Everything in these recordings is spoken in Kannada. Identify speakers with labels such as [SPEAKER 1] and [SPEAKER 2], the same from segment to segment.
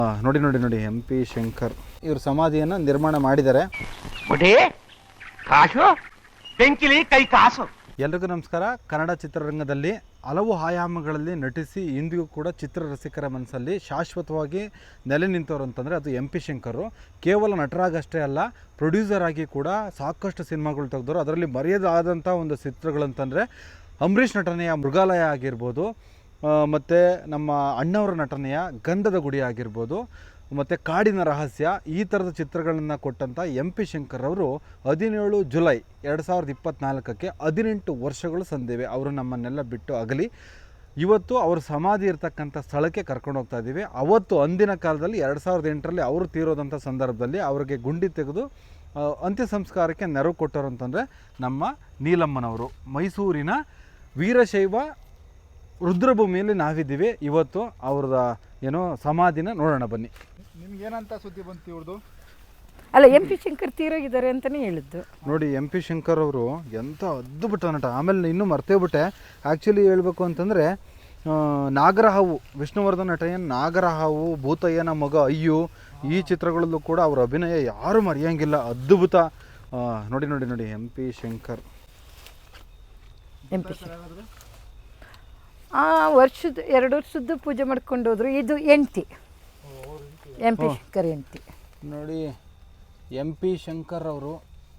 [SPEAKER 1] ನೋಡಿ ನೋಡಿ ನೋಡಿ MP ಶಂಕರ್ ಇವ್ರ ಸಮಾಧಿಯನ್ನು ನಿರ್ಮಾಣ ಮಾಡಿದ್ದಾರೆ. ಎಲ್ರಿಗೂ ನಮಸ್ಕಾರ. ಕನ್ನಡ ಚಿತ್ರರಂಗದಲ್ಲಿ ಹಲವು ಆಯಾಮಗಳಲ್ಲಿ ನಟಿಸಿ ಇಂದಿಗೂ ಕೂಡ ಚಿತ್ರರಸಿಕರ ಮನಸ್ಸಲ್ಲಿ ಶಾಶ್ವತವಾಗಿ ನೆಲೆ ನಿಂತವರು ಅಂತಂದರೆ ಅದು MP ಶಂಕರ್. ಕೇವಲ ನಟರಾಗಷ್ಟೇ ಅಲ್ಲ, ಪ್ರೊಡ್ಯೂಸರ್ ಆಗಿ ಕೂಡ ಸಾಕಷ್ಟು ಸಿನಿಮಾಗಳು ತೆಗೆದವರು. ಅದರಲ್ಲಿ ಮರೆಯದಾದಂಥ ಒಂದು ಚಿತ್ರಗಳಂತಂದರೆ ಅಂಬರೀಷ್ ನಟನೆಯ ಮೃಗಾಲಯ ಆಗಿರ್ಬೋದು, ಮತ್ತು ನಮ್ಮ ಅಣ್ಣವರ ನಟನೆಯ ಗಂಧದ ಗುಡಿ ಆಗಿರ್ಬೋದು, ಮತ್ತು ಕಾಡಿನ ರಹಸ್ಯ, ಈ ಥರದ ಚಿತ್ರಗಳನ್ನು ಕೊಟ್ಟಂಥ MP ಶಂಕರ್ ಅವರು 17 ಜುಲೈ 2024ಕ್ಕೆ 18 ವರ್ಷಗಳು ಸಂದಿವೆ. ಅವರು ನಮ್ಮನ್ನೆಲ್ಲ ಬಿಟ್ಟು ಅಗಲಿ. ಇವತ್ತು ಅವ್ರ ಸಮಾಧಿ ಇರ್ತಕ್ಕಂಥ ಸ್ಥಳಕ್ಕೆ ಕರ್ಕೊಂಡು ಹೋಗ್ತಾ ಇದ್ದೀವಿ. ಅವತ್ತು ಅಂದಿನ ಕಾಲದಲ್ಲಿ 2008ರಲ್ಲಿ ಅವರು ತೀರೋದಂಥ ಸಂದರ್ಭದಲ್ಲಿ ಅವರಿಗೆ ಗುಂಡಿ ತೆಗೆದು ಅಂತ್ಯ ಸಂಸ್ಕಾರಕ್ಕೆ ನೆರವು ಕೊಟ್ಟರು ಅಂತಂದರೆ ನಮ್ಮ ನೀಲಮ್ಮನವರು. ಮೈಸೂರಿನ ವೀರಶೈವ ರುದ್ರಭೂಮಿಯಲ್ಲಿ ನಾವಿದ್ದೀವಿ. ಇವತ್ತು ಅವ್ರದ ಏನೋ ಸಮಾಧಿನ ನೋಡೋಣ ಬನ್ನಿ.
[SPEAKER 2] ನಿಮ್ಗೆ ಏನಂತ ಸುದ್ದಿ ಬಂತು ಇವ್ರದ್ದು?
[SPEAKER 3] ಅಲ್ಲ, MP ಶಂಕರ್ ತೀರೋಗಿದ್ದಾರೆ ಅಂತಲೇ ಹೇಳಿದ್ದು.
[SPEAKER 1] ನೋಡಿ, MP ಶಂಕರ್ ಅವರು ಎಂಥ ಅದ್ಭುತ ನಟ. ಆಮೇಲೆ ಇನ್ನೂ ಮರ್ತೇಬಿಟ್ಟೆ, ಆ್ಯಕ್ಚುಲಿ ಹೇಳಬೇಕು ಅಂತಂದರೆ ನಾಗರಹಾವು, ವಿಷ್ಣುವರ್ಧನ್ ನಟನೆಯ ನಾಗರಹಾವು, ಭೂತಯ್ಯನ ಮಗ ಅಯ್ಯು, ಈ ಚಿತ್ರಗಳಲ್ಲೂ ಕೂಡ ಅವ್ರ ಅಭಿನಯ ಯಾರೂ ಮರೆಯೋಂಗಿಲ್ಲ. ಅದ್ಭುತ. ನೋಡಿ ನೋಡಿ ನೋಡಿ MP ಶಂಕರ್.
[SPEAKER 3] ವರ್ಷದ 2 ವರ್ಷದ್ದು ಪೂಜೆ ಮಾಡ್ಕೊಂಡು ಹೋದ್ರು. ಇದು ಹೆಂಡ್ತಿ, MP ಶಂಕರ್ ಹೆಂಡ್ತಿ.
[SPEAKER 1] ನೋಡಿ, MP ಶಂಕರ್ ಅವರು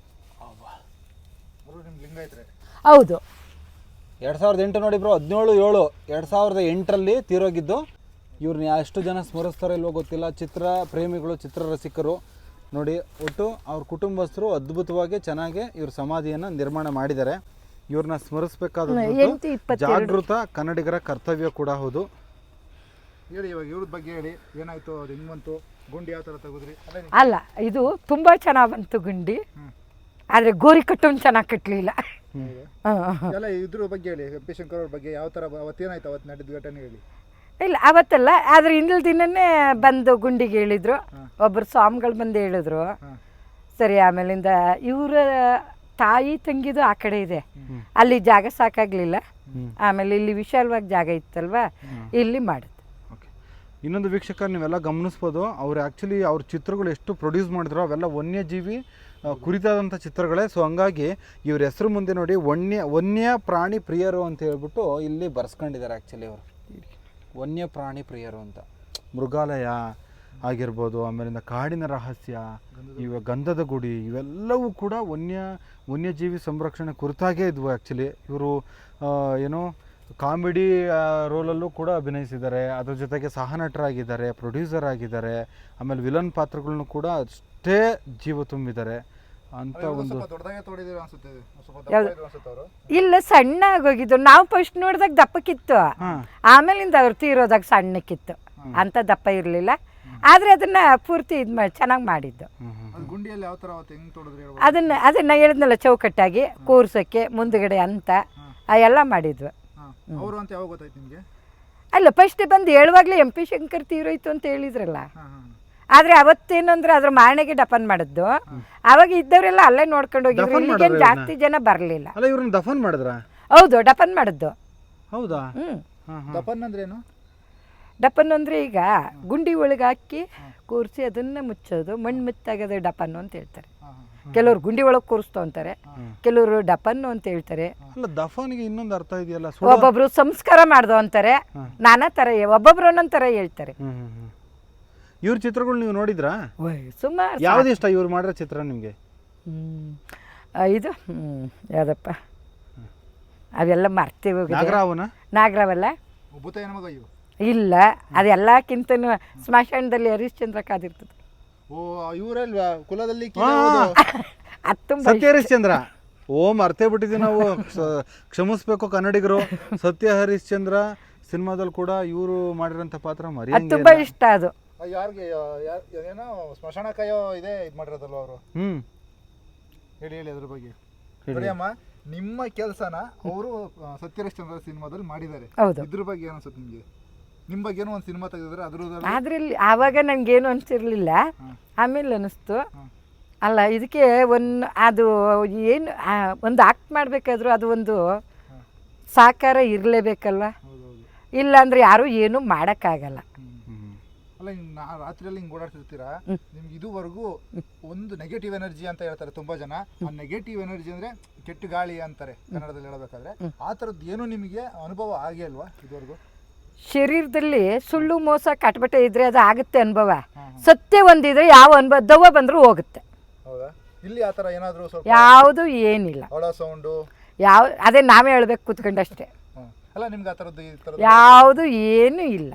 [SPEAKER 3] ಹೌದು.
[SPEAKER 1] 2008 ನೋಡಿ ಬ್ರೋ, 17/7/2008ರಲ್ಲಿ ತೀರೋಗಿದ್ದು. ಇವ್ರನ್ನ ಎಷ್ಟು ಜನ ಸ್ಮರಿಸ್ತಾರೋ ಇಲ್ವೋ ಗೊತ್ತಿಲ್ಲ. ಚಿತ್ರ ಪ್ರೇಮಿಗಳು, ಚಿತ್ರರಸಿಕರು ನೋಡಿ, ಒಟ್ಟು ಅವ್ರ ಕುಟುಂಬಸ್ಥರು ಅದ್ಭುತವಾಗಿ ಚೆನ್ನಾಗಿ ಇವ್ರ ಸಮಾಧಿಯನ್ನು ನಿರ್ಮಾಣ ಮಾಡಿದ್ದಾರೆ. ಇವ್ರನ್ನ ಸ್ಮರಿಸಬೇಕಾದ ಜಾಗೃತ ಕನ್ನಡಿಗರ ಕರ್ತವ್ಯ ಕೂಡ ಹೌದು.
[SPEAKER 2] ಹೇಳಿ, ಇವಾಗ ಇವ್ರ ಬಗ್ಗೆ ಹೇಳಿ, ಏನಾಯ್ತು, ಅದು ಹೆಂಗ್ ಬಂತು, ಗುಂಡಿ ಯಾವ ಥರ ತೆಗೆದ್ರಿ?
[SPEAKER 3] ಅಲ್ಲ, ಇದು ತುಂಬ ಚೆನ್ನಾಗಿ ಬಂತು ಗುಂಡಿ, ಆದರೆ ಗೋರಿ ಕಟ್ಟೋನ್ ಚೆನ್ನಾಗಿ ಕಟ್ಟಲಿಲ್ಲ.
[SPEAKER 2] ಎಲ್ಲ ಇದ್ರ ಬಗ್ಗೆ ಹೇಳಿ, MP ಶಂಕರ್ ಅವ್ರ ಬಗ್ಗೆ ಯಾವ ಥರ ಅವತ್ತೇನಾಯ್ತು, ಅವತ್ತು ನಡೆದ ಘಟನೆ ಹೇಳಿ.
[SPEAKER 3] ಇಲ್ಲ, ಅವತ್ತಲ್ಲ, ಆದರೆ ಹಿಂದಿನ ದಿನನೇ ಬಂದು ಗುಂಡಿಗೆ ಹೇಳಿದ್ರು. ಒಬ್ಬರು ಸ್ವಾಮಿಗಳು ಬಂದು ಹೇಳಿದ್ರು. ಸರಿ, ಆಮೇಲಿಂದ ಇವರ ತಾಯಿ ತಂಗಿದು ಆ ಕಡೆ ಇದೆ, ಅಲ್ಲಿ ಜಾಗ ಸಾಕಾಗ್ಲಿಲ್ಲ. ಆಮೇಲೆ ಇಲ್ಲಿ ವಿಶಾಲವಾಗಿ ಜಾಗ ಇತ್ತಲ್ವಾ, ಇಲ್ಲಿ ಮಾಡಿದ್ದು.
[SPEAKER 1] ಇನ್ನೊಂದು ವೀಕ್ಷಕ, ನೀವೆಲ್ಲ ಗಮನಿಸ್ಬೋದು, ಅವ್ರು ಆ್ಯಕ್ಚುಲಿ ಅವ್ರ ಚಿತ್ರಗಳು ಎಷ್ಟು ಪ್ರೊಡ್ಯೂಸ್ ಮಾಡಿದ್ರು ಅವೆಲ್ಲ ವನ್ಯಜೀವಿ ಕುರಿತಾದಂಥ ಚಿತ್ರಗಳೇ. ಸೊ ಹಂಗಾಗಿ ಇವ್ರ ಹೆಸರು ಮುಂದೆ ನೋಡಿ ವನ್ಯ ಪ್ರಾಣಿ ಪ್ರಿಯರು ಅಂತ ಹೇಳ್ಬಿಟ್ಟು ಇಲ್ಲಿ ಬರ್ಸ್ಕೊಂಡಿದ್ದಾರೆ. ಆ್ಯಕ್ಚುಲಿ ಅವರು ವನ್ಯ ಪ್ರಾಣಿ ಪ್ರಿಯರು ಅಂತ. ಮೃಗಾಲಯ ಆಗಿರ್ಬೋದು, ಆಮೇಲಿಂದ ಕಾಡಿನ ರಹಸ್ಯ, ಇವ ಗಂಧದ ಗುಡಿ, ಇವೆಲ್ಲವೂ ಕೂಡ ವನ್ಯಜೀವಿ ಸಂರಕ್ಷಣೆ ಕುರಿತಾಗೇ ಇದ್ವು. ಆ್ಯಕ್ಚುಲಿ ಇವರು ಏನೋ ಕಾಮಿಡಿ ರೋಲಲ್ಲೂ ಕೂಡ ಅಭಿನಯಿಸಿದ್ದಾರೆ. ಅದ್ರ ಜೊತೆಗೆ ಸಹನಟರಾಗಿದ್ದಾರೆ, ಪ್ರೊಡ್ಯೂಸರ್ ಆಗಿದ್ದಾರೆ, ಆಮೇಲೆ ವಿಲನ್ ಪಾತ್ರಗಳನ್ನು ಕೂಡ ಅಷ್ಟೇ ಜೀವ ತುಂಬಿದ್ದಾರೆ ಅಂತ ಒಂದು.
[SPEAKER 3] ಇಲ್ಲ, ಸಣ್ಣ ಆಗೋಗಿದ್ದು. ನಾವು ಫಸ್ಟ್ ನೋಡಿದಾಗ ದಪ್ಪಕ್ಕಿತ್ತು, ಆಮೇಲಿಂದ ಅವ್ರು ತೀರೋದಾಗ ಸಣ್ಣಕ್ಕಿತ್ತು, ಅಂತ ದಪ್ಪ ಇರಲಿಲ್ಲ. ಆದರೆ ಅದನ್ನ ಪೂರ್ತಿ ಇದು ಮಾಡಿ ಚೆನ್ನಾಗಿ ಮಾಡಿದ್ದು. ಅದನ್ನ ಹೇಳಿದ್ನಲ್ಲ, ಚೌಕಟ್ಟಾಗಿ ಕೂರ್ಸೋಕ್ಕೆ ಮುಂದ್ಗಡೆ ಅಂತ ಎಲ್ಲ ಮಾಡಿದ್ವು. ಅಲ್ಲ, ಫಸ್ಟ್ ಬಂದು ಹೇಳುವಾಗಲೇ MP ಶಂಕರ್ ತೀರೋಯ್ತು ಅಂತ ಹೇಳಿದ್ರಲ್ಲ. ಆದರೆ ಅವತ್ತೇನಂದ್ರೆ ಅದ್ರ ಮಾರಣೆಗೆ ಡಫನ್ ಮಾಡಿದ್ದು. ಅವಾಗ ಇದ್ದವರೆಲ್ಲ ಅಲ್ಲೇ ನೋಡ್ಕೊಂಡು ಹೋಗಿದ್ರು, ಇಲ್ಲಿಗೇನು ಜಾಸ್ತಿ ಜನ ಬರಲಿಲ್ಲ.
[SPEAKER 1] ದಫನ್ ಮಾಡಿದ್ರ?
[SPEAKER 3] ಹೌದು, ಡಫನ್ ಮಾಡಿದ್ದು.
[SPEAKER 1] ಹೌದಾ?
[SPEAKER 2] ದಫನ್ ಅಂದ್ರೇನು?
[SPEAKER 3] ಡಪನ್ ಅಂದರೆ ಈಗ ಗುಂಡಿ ಒಳಗೆ ಹಾಕಿ ಕೂರಿಸಿ ಅದನ್ನ ಮುಚ್ಚೋದು, ಮಣ್ಣು ಮುಚ್ಚಾಗದೆ ಡಪನ್ನು ಅಂತ ಹೇಳ್ತಾರೆ. ಕೆಲವರು ಗುಂಡಿ ಒಳಗೆ ಕೂರಿಸ್ತು ಅಂತಾರೆ, ಕೆಲವರು ಡಪನ್ನು ಅಂತ ಹೇಳ್ತಾರೆ.
[SPEAKER 1] ದಫನ್ಗೆ ಇನ್ನೊಂದು ಅರ್ಥ ಇದೆಯಲ್ಲ,
[SPEAKER 3] ಒಬ್ಬೊಬ್ರು ಸಂಸ್ಕಾರ ಮಾಡ್ದು ಅಂತಾರೆ, ನಾನಾ ಥರ, ಒಬ್ಬೊಬ್ರು ಒಂದೊಂದು ಥರ ಹೇಳ್ತಾರೆ.
[SPEAKER 1] ಇವ್ರ ಚಿತ್ರಗಳು ನೀವು ನೋಡಿದ್ರಾ?
[SPEAKER 3] ಸುಮಾರು.
[SPEAKER 1] ಯಾವ್ದು ಇಷ್ಟ ಇವ್ರು ಮಾಡಿರೋ ಚಿತ್ರ ನಿಮಗೆ?
[SPEAKER 3] ಇದು ಯಾವ್ದಪ್ಪ, ಅವೆಲ್ಲ ಮರ್ತೀವಿ. ನಾಗರಾವಲ್ಲ, ಇಲ್ಲ, ಅದೆಲ್ಲಕ್ಕಿಂತನೂ ಸ್ಮಶಾನದಲ್ಲಿ ಹರಿಶ್ಚಂದ್ರ ಕಾದಿರ್ತದೆ.
[SPEAKER 2] ಇವರಲ್ವಾ ಕುಲದಲ್ಲಿ
[SPEAKER 1] ಸತ್ಯ ಹರಿಶ್ಚಂದ್ರ? ಮರ್ತೇ ಬಿಟ್ಟಿದ್ವಿ ನಾವು, ಕ್ಷಮಿಸ್ಬೇಕು ಕನ್ನಡಿಗರು. ಸತ್ಯ ಹರಿಶ್ಚಂದ್ರ ಸಿನಿಮಾದಲ್ಲಿ ಕೂಡ ಇವರು ಮಾಡಿರೋಂಥ ಪಾತ್ರ
[SPEAKER 3] ತುಂಬಾ ಇಷ್ಟ. ಅದು
[SPEAKER 2] ಯಾರಿಗೆ ಏನೋ ಸ್ಮಶಾನ ಕಾಯೋ ಇದೆ ಇದು ಮಾಡಿರೋದಲ್ವ ಅವರು. ಹೇಳಿ ಹೇಳಿ ಅದ್ರ ಬಗ್ಗೆ. ನೋಡಿ ಅಮ್ಮ, ನಿಮ್ಮ ಕೆಲಸನ ಅವರು ಸತ್ಯ ಹರಿಶ್ಚಂದ್ರ ಸಿನಿಮಾದಲ್ಲಿ ಮಾಡಿದ್ದಾರೆ. ಇದ್ರ ಬಗ್ಗೆ ಏನು ಅನ್ಸುತ್ತೆ ನಿಮಗೆ? ನಿಮ್ಮ ಬಗ್ಗೆ ಏನೋ ಒಂದು ಸಿನಿಮಾ ತೆಗೆದಿದ್ರೆ
[SPEAKER 3] ಅದ್ರಲ್ಲಿ ಆವಾಗ ನನಗೇನು ಅನಿಸಿರ್ಲಿಲ್ಲ, ಆಮೇಲೆ ಅನಿಸ್ತು. ಅಲ್ಲ, ಇದಕ್ಕೆ ಅದು ಏನು ಒಂದು ಆಕ್ಟ್ ಮಾಡಬೇಕಾದ್ರೂ ಅದು ಒಂದು ಸಾಕಾರ ಇರಲೇಬೇಕಲ್ವ. ಇಲ್ಲಾಂದ್ರೆ ಯಾರೂ ಏನೂ ಮಾಡೋಕ್ಕಾಗಲ್ಲ.
[SPEAKER 2] ಅಲ್ಲ ರಾತ್ರಿಯಲ್ಲಿ ಹಿಂಗೆ ಓಡಾಡ್ತಿರ್ತೀರಾ, ನಿಮ್ಗೆ ಇದುವರೆಗೂ ಒಂದು ನೆಗೆಟಿವ್ ಎನರ್ಜಿ ಅಂತ ಹೇಳ್ತಾರೆ ತುಂಬಾ ಜನ. ಆ ನೆಗೆಟಿವ್ ಎನರ್ಜಿ ಅಂದ್ರೆ ಕೆಟ್ಟ ಗಾಳಿ ಅಂತಾರೆ ಕನ್ನಡದಲ್ಲಿ ಹೇಳಬೇಕಾದ್ರೆ. ಆ ಥರದ್ದು ಏನು ನಿಮಗೆ ಅನುಭವ ಆಗೇ ಅಲ್ವಾ ಇದುವರೆಗೂ?
[SPEAKER 3] ಶರೀರದಲ್ಲಿ ಸುಳ್ಳು ಮೋಸ ಕಟ್ಬಟ್ಟೆ ಇದ್ರೆ ಅದು ಆಗುತ್ತೆ ಅನುಭವ. ಸತ್ಯ ಒಂದಿದ್ರೆ ಯಾವ ಅನುಭವ ದವ್ವ ಬಂದರೂ ಹೋಗುತ್ತೆ.
[SPEAKER 2] ಹೌದಾ? ಇಲ್ಲಿ ಆ ಥರ ಏನಾದರೂ ಸ್ವಲ್ಪ
[SPEAKER 3] ಯಾವುದು ಏನಿಲ್ಲ.
[SPEAKER 2] ಹೊಳ ಸೌಂಡು
[SPEAKER 3] ಯಾವ ಅದೇ ನಾವೇ ಹೇಳ್ಬೇಕು ಕೂತ್ಕೊಂಡಷ್ಟೇ.
[SPEAKER 2] ಅಲ್ಲ ನಿಮ್ಗೆ ಆ ಥರದ್ದು ಈ ಥರದ್ದು
[SPEAKER 3] ಯಾವುದು ಏನೂ ಇಲ್ಲ.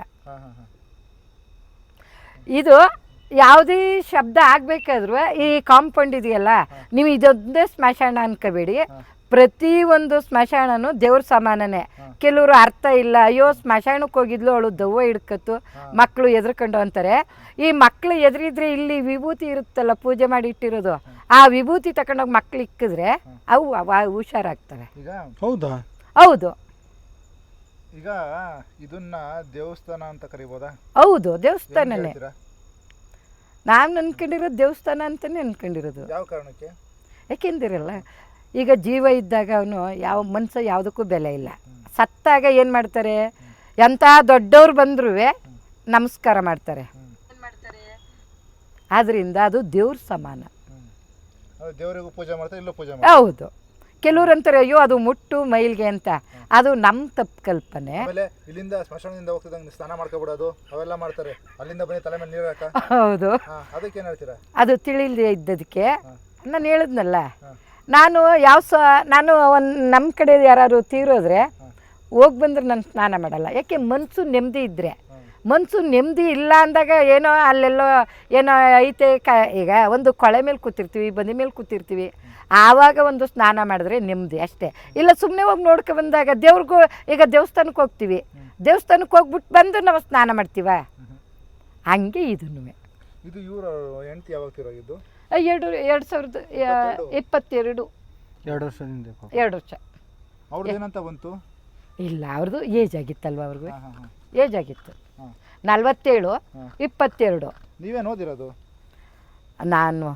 [SPEAKER 3] ಇದು ಯಾವುದೇ ಶಬ್ದ ಆಗಬೇಕಾದ್ರೂ ಈ ಕಾಂಪೌಂಡ್ ಇದೆಯಲ್ಲ, ನೀವು ಇದೊಂದೇ ಸ್ಮಶಾನ ಅನ್ಕೋಬೇಡಿ. ಪ್ರತಿಯೊಂದು ಸ್ಮಶಾನನೂ ದೇವ್ರ ಸಮಾನನೇ. ಕೆಲವರು ಅರ್ಥ ಇಲ್ಲ, ಅಯ್ಯೋ ಸ್ಮಶಾನಕ್ಕೆ ಹೋಗಿದ್ಲು ಅವಳು ದವ್ವ ಹಿಡ್ಕತ್ತು ಮಕ್ಕಳು ಎದ್ರಕೊಂಡು ಅಂತಾರೆ. ಈ ಮಕ್ಕಳು ಎದುರಿದ್ರೆ ಇಲ್ಲಿ ವಿಭೂತಿ ಇರುತ್ತಲ್ಲ ಪೂಜೆ ಮಾಡಿ ಇಟ್ಟಿರೋದು, ಆ ವಿಭೂತಿ ತಗೊಂಡೋಗಿ ಮಕ್ಳು ಇಕ್ಕಿದ್ರೆ ಅವು ಹುಷಾರಾಗ್ತವೆ.
[SPEAKER 2] ಈಗ
[SPEAKER 1] ಹೌದಾ?
[SPEAKER 3] ಹೌದು.
[SPEAKER 2] ಈಗ ಇದನ್ನ ದೇವಸ್ಥಾನ ಅಂತ ಕರಿಬೋದಾ?
[SPEAKER 3] ಹೌದು, ದೇವಸ್ಥಾನನೇ. ನಾನು ಅನ್ಕೊಂಡಿರೋದು ದೇವಸ್ಥಾನ ಅಂತಲೇ ಅನ್ಕೊಂಡಿರೋದು.
[SPEAKER 2] ಯಾವ ಕಾರಣಕ್ಕೆ?
[SPEAKER 3] ಯಾಕೆಂದಿರಲ್ಲ, ಈಗ ಜೀವ ಇದ್ದಾಗ ಅವನು ಯಾವ ಮನುಷ್ಯ ಯಾವುದಕ್ಕೂ ಬೆಲೆ ಇಲ್ಲ. ಸತ್ತಾಗ ಏನು ಮಾಡ್ತಾರೆ, ಎಂಥ ದೊಡ್ಡವ್ರು ಬಂದ್ರೂ ನಮಸ್ಕಾರ ಮಾಡ್ತಾರೆ. ಆದ್ದರಿಂದ ಅದು ದೇವ್ರ ಸಮಾನ.
[SPEAKER 2] ದೇವರಿಗೂ ಪೂಜೆ ಮಾಡ್ತಾರೆ, ಇಲ್ಲೂ ಪೂಜೆ ಮಾಡ್ತಾರೆ.
[SPEAKER 3] ಹೌದು. ಕೆಲವ್ರು ಅಂತಾರೆ ಅಯ್ಯೋ ಅದು ಮುಟ್ಟು ಮೈಲ್ಗೆ ಅಂತ. ಅದು ನಮ್ಮ ತಪ್ಪು ಕಲ್ಪನೆ.
[SPEAKER 2] ಆಮೇಲೆ ಇಲ್ಲಿಂದ ಸ್ಮಶಾನದಿಂದ ಹೋಗ್ತಿದ್ದಂಗೆ ಸ್ನಾನ ಮಾಡ್ಕೊಬಿಡೋದು ಅವೆಲ್ಲ ಮಾಡ್ತಾರೆ. ಅಲ್ಲಿಂದ ಬನ್ನಿ ತಲೆ ಮೇಲೆ ನೀರು ಹಾಕ.
[SPEAKER 3] ಹೌದು.
[SPEAKER 2] ಅದಕ್ಕೆ ಏನು ಹೇಳ್ತೀರಾ?
[SPEAKER 3] ಅದು ತಿಳಿದೇ ಇದ್ದದಕ್ಕೆ ನಾನು ಹೇಳಿದ್ನಲ್ಲ, ನಾನು ನಾನು ನಮ್ಮ ಕಡೆ ಯಾರು ತೀರೋದ್ರೆ ಹೋಗಿ ಬಂದ್ರೆ ನಾನು ಸ್ನಾನ ಮಾಡಲ್ಲ. ಯಾಕೆ ಮನಸ್ಸು ನೆಮ್ಮದಿ ಇದ್ದರೆ. ಮನಸ್ಸು ನೆಮ್ಮದಿ ಇಲ್ಲ ಅಂದಾಗ ಏನೋ ಅಲ್ಲೆಲ್ಲೋ ಏನೋ ಐತೆ ಈಗ ಒಂದು ಕೊಳೆ ಮೇಲೆ ಕೂತಿರ್ತೀವಿ, ಬಂದಿ ಮೇಲೆ ಕೂತಿರ್ತೀವಿ, ಆವಾಗ ಒಂದು ಸ್ನಾನ ಮಾಡಿದ್ರೆ ನೆಮ್ಮದಿ ಅಷ್ಟೇ. ಇಲ್ಲ ಸುಮ್ಮನೆ ಹೋಗಿ ನೋಡ್ಕೊ ಬಂದಾಗ ದೇವ್ರಿಗೂ, ಈಗ ದೇವಸ್ಥಾನಕ್ಕೆ ಹೋಗ್ತೀವಿ, ದೇವಸ್ಥಾನಕ್ಕೆ ಹೋಗ್ಬಿಟ್ಟು ಬಂದು ನಾವು ಸ್ನಾನ ಮಾಡ್ತೀವ, ಹಂಗೆ ಇದನ್ನು.
[SPEAKER 2] ಇದು ಇವರು ಹೆಂಡತಿ ಯಾವಾಗ ತೀರೋಗಿದ್ದು?
[SPEAKER 3] 2022.
[SPEAKER 1] 2 ವರ್ಷದಿಂದ.
[SPEAKER 3] 2 ವರ್ಷ.
[SPEAKER 2] ಅವ್ರದ್ದು ಏನಂತ ಬಂತು?
[SPEAKER 3] ಇಲ್ಲ, ಅವ್ರದ್ದು ಏಜ್ ಆಗಿತ್ತಲ್ವ, ಅವ್ರಿಗೂ ಏಜ್ ಆಗಿತ್ತು. 47, 22.
[SPEAKER 2] ನೀವೇನು ಓದಿರೋದು?
[SPEAKER 3] ನಾನು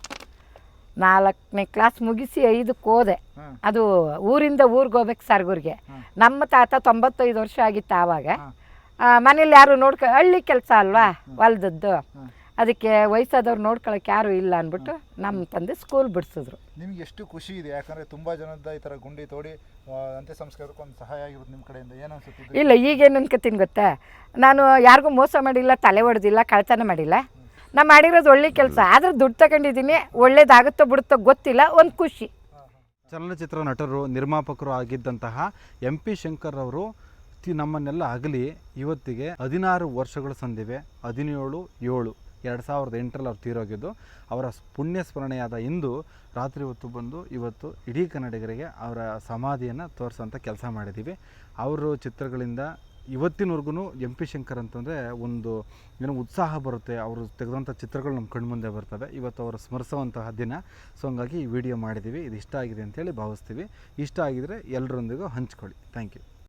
[SPEAKER 3] 4ನೇ ಕ್ಲಾಸ್ ಮುಗಿಸಿ 5ಕ್ಕೆ ಹೋದೆ. ಅದು ಊರಿಂದ ಊರಿಗೆ ಹೋಗ್ಬೇಕು ಸರ್ಗೂರಿಗೆ. ನಮ್ಮ ತಾತ 95 ವರ್ಷ ಆಗಿತ್ತು ಆವಾಗ. ಮನೇಲಿ ಯಾರು ಹಳ್ಳಿ ಕೆಲಸ ಅಲ್ವಾ ಹೊಲ್ದದ್ದು, ಅದಕ್ಕೆ ವಯಸ್ಸಾದವ್ರು ನೋಡ್ಕೊಳಕ್ಕೆ ಯಾರು ಇಲ್ಲ ಅಂದ್ಬಿಟ್ಟು ನಮ್ಮ ತಂದೆ ಸ್ಕೂಲ್ ಬಿಡಿಸಿದ್ರು.
[SPEAKER 2] ನಿಮ್ಗೆ ಎಷ್ಟು ಖುಷಿ ಇದೆ, ಯಾಕಂದರೆ ತುಂಬ ಜನದ ಈ ಥರ ಗುಂಡಿ ತೋಡಿ ಅಂತ್ಯ ಸಂಸ್ಕಾರಕ್ಕೆ ಒಂದು ಸಹಾಯ ಆಗಿರೋದು ನಿಮ್ಮ ಕಡೆಯಿಂದ. ಏನು ಅನ್ಸುತ್ತೆ? ಇಲ್ಲ,
[SPEAKER 3] ಈಗೇನು ಅನ್ಕೋತೀನಿ ಗೊತ್ತಾ, ನಾನು ಯಾರಿಗೂ ಮೋಸ ಮಾಡಿಲ್ಲ, ತಲೆ ಹೊಡೆದಿಲ್ಲ, ಕಳ್ತನ ಮಾಡಿಲ್ಲ. ನಾನು ಮಾಡಿರೋದು ಒಳ್ಳೆ ಕೆಲಸ. ಆದರೆ ದುಡ್ಡು ತಗೊಂಡಿದ್ದೀನಿ, ಒಳ್ಳೇದಾಗುತ್ತೋ ಬಿಡುತ್ತೋ ಗೊತ್ತಿಲ್ಲ, ಒಂದು ಖುಷಿ.
[SPEAKER 1] ಚಲನಚಿತ್ರ ನಟರು, ನಿರ್ಮಾಪಕರು ಆಗಿದ್ದಂತಹ MP ಶಂಕರ್ ಅವರು ನಮ್ಮನ್ನೆಲ್ಲ ಅಗಲಿ ಇವತ್ತಿಗೆ 16 ವರ್ಷಗಳು ಸಂದಿವೆ. 17/7/2008 ಅವ್ರು ತೀರೋಗಿದ್ದು. ಅವರ ಪುಣ್ಯ ಸ್ಮರಣೆಯಾದ ಇಂದು ರಾತ್ರಿ ಹೊತ್ತು ಬಂದು ಇವತ್ತು ಇಡೀ ಕನ್ನಡಿಗರಿಗೆ ಅವರ ಸಮಾಧಿಯನ್ನು ತೋರಿಸೋಂಥ ಕೆಲಸ ಮಾಡಿದ್ದೀವಿ. ಅವರು ಚಿತ್ರಗಳಿಂದ ಇವತ್ತಿನವರೆಗೂ MP ಶಂಕರ್ ಅಂತಂದರೆ ಒಂದು ಏನೋ ಉತ್ಸಾಹ ಬರುತ್ತೆ. ಅವರು ತೆಗೆದಂಥ ಚಿತ್ರಗಳು ನಮ್ಮ ಕಣ್ಮುಂದೆ ಬರ್ತವೆ. ಇವತ್ತು ಅವರು ಸ್ಮರಿಸುವಂತಹ ದಿನ. ಸೊ ಹಂಗಾಗಿ ಈ ವಿಡಿಯೋ ಮಾಡಿದ್ದೀವಿ. ಇದು ಇಷ್ಟ ಆಗಿದೆ ಅಂತೇಳಿ ಭಾವಿಸ್ತೀವಿ. ಇಷ್ಟ ಆಗಿದರೆ ಎಲ್ಲರೊಂದಿಗೂ ಹಂಚ್ಕೊಳ್ಳಿ. Thank you.